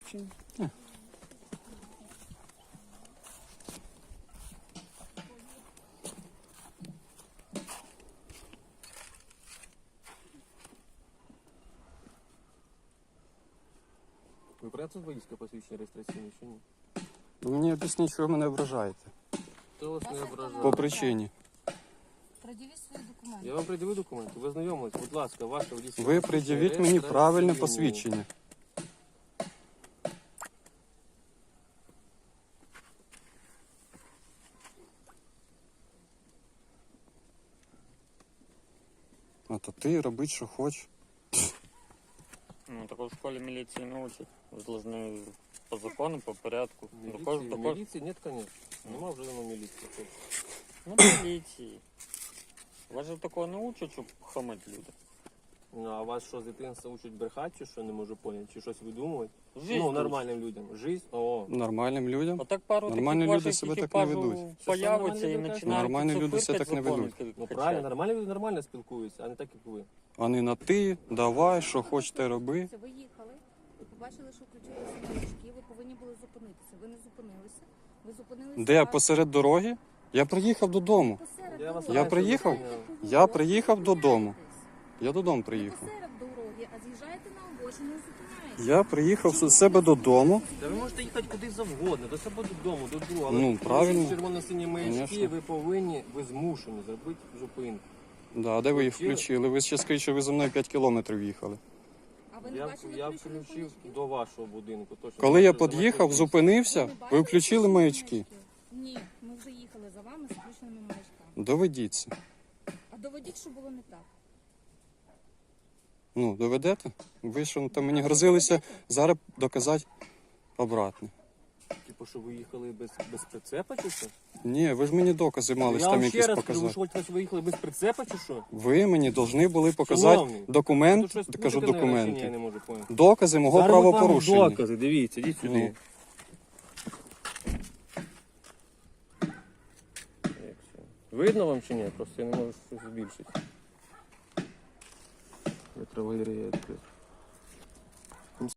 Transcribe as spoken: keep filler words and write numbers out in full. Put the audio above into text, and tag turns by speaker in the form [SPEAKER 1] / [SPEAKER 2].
[SPEAKER 1] посвідчення?
[SPEAKER 2] Ви працюєте водійське посвідчення реєстраційне чи ні?
[SPEAKER 1] Ви мені об'ясніть, що ви мене ображаєте.
[SPEAKER 2] Хто вас не ображає?
[SPEAKER 1] По причині.
[SPEAKER 3] Пред'явіть свої документи.
[SPEAKER 2] Я вам пред'явив документи, ви знайомились, будь ласка, ваше водійське
[SPEAKER 1] Ви пред'явіть мені правильне посвідчення. А то ти робить, що хочеш.
[SPEAKER 4] Ну, так в школе милиции не учат. Вы должны по закону, по порядку.
[SPEAKER 2] Міліції,
[SPEAKER 4] Також- також-
[SPEAKER 2] міліції нет, конечно. Нема вже давно міліції.
[SPEAKER 4] Ну, милиции. Вас же такого не учат, щоб хамать людям.
[SPEAKER 2] Ну, а вас що, з дитинства учать брехати, чи що, не можу поняти, чи щось видумувати?
[SPEAKER 4] Жизнь
[SPEAKER 2] Ну,
[SPEAKER 4] тут.
[SPEAKER 2] нормальним людям. Жизнь, о.
[SPEAKER 1] Нормальним людям.
[SPEAKER 4] А так пару
[SPEAKER 1] Нормальні
[SPEAKER 4] таких
[SPEAKER 1] люди
[SPEAKER 4] ваших
[SPEAKER 1] себе так не
[SPEAKER 4] екіпажів
[SPEAKER 1] ведуть.
[SPEAKER 4] появиться
[SPEAKER 2] Що
[SPEAKER 4] і
[SPEAKER 2] нормальні
[SPEAKER 4] починають
[SPEAKER 1] Нормальні
[SPEAKER 4] тут
[SPEAKER 1] люди себе
[SPEAKER 4] фиркать
[SPEAKER 1] так не
[SPEAKER 4] закони
[SPEAKER 1] ведуть.
[SPEAKER 4] качать.
[SPEAKER 2] Ну правильно, нормальні люди нормально спілкуються, а не так, як ви.
[SPEAKER 1] А не на ти, давай, що хочете роби.
[SPEAKER 3] Ви їхали, ви побачили, що включилися маячки, ви повинні були зупинитися. Ви не зупинилися. Ви зупинилися.
[SPEAKER 1] Де,
[SPEAKER 3] аж
[SPEAKER 1] посеред дороги? Я приїхав додому.
[SPEAKER 3] посеред
[SPEAKER 2] Я вас
[SPEAKER 3] дороги.
[SPEAKER 1] Я
[SPEAKER 2] знаю,
[SPEAKER 1] приїхав?
[SPEAKER 2] що ви
[SPEAKER 1] Я приїхав додому. Я додому
[SPEAKER 3] Не
[SPEAKER 1] приїхав.
[SPEAKER 3] посеред дороги, а з'їжджаєте на обочину і зупиняєтеся.
[SPEAKER 1] Я приїхав з себе додому.
[SPEAKER 2] Та ви можете їхати куди завгодно, до себе додому, до другого. Але
[SPEAKER 1] Ну,
[SPEAKER 2] якщо
[SPEAKER 1] правильно.
[SPEAKER 2] червоно-сині маячки,
[SPEAKER 1] Конечно.
[SPEAKER 2] ви повинні, ви змушені зробити зупинку.
[SPEAKER 1] Да, а де ви їх
[SPEAKER 2] Включили?
[SPEAKER 1] включили? Ви ще скажіть, що ви за мною п'ять кілометрів їхали.
[SPEAKER 3] А ви не
[SPEAKER 2] Я,
[SPEAKER 3] бачили
[SPEAKER 2] я
[SPEAKER 3] включених
[SPEAKER 2] включив
[SPEAKER 3] маячків?
[SPEAKER 2] до вашого будинку. Точно.
[SPEAKER 1] Коли я
[SPEAKER 2] Що за
[SPEAKER 1] під'їхав,
[SPEAKER 2] маячки?
[SPEAKER 1] зупинився,
[SPEAKER 3] не
[SPEAKER 1] ви
[SPEAKER 3] бачили
[SPEAKER 1] включили
[SPEAKER 3] включених
[SPEAKER 1] маячки.
[SPEAKER 3] маячків? Ні, ми вже їхали за вами з включеними маячками.
[SPEAKER 1] Доведіться.
[SPEAKER 3] А доведіть, що було не так.
[SPEAKER 1] Ну, доведете? Ви що там мені грозилися зараз доказати обратне.
[SPEAKER 2] Типу, що ви їхали без, без прицепа чи що?
[SPEAKER 1] Ні, ви ж мені докази мали
[SPEAKER 2] я
[SPEAKER 1] там
[SPEAKER 2] вам ще
[SPEAKER 1] якісь
[SPEAKER 2] раз кажу, ви
[SPEAKER 1] показати.
[SPEAKER 2] що хочете, що ви їхали без прицепа чи що?
[SPEAKER 1] Ви мені повинні були показати
[SPEAKER 2] Шановний,
[SPEAKER 1] документ,
[SPEAKER 2] Тут щось
[SPEAKER 1] кажу
[SPEAKER 2] путаєте, наверно, чи ні, я
[SPEAKER 1] документи,
[SPEAKER 2] не можу поняти.
[SPEAKER 1] докази мого
[SPEAKER 2] Зараз ми вам
[SPEAKER 1] правопорушення.
[SPEAKER 2] докази, дивіться, йдіть сюди.
[SPEAKER 1] Ну.
[SPEAKER 2] Як це? Видно вам чи ні? Просто я не можу щось збільшити. Вітровий відкрити.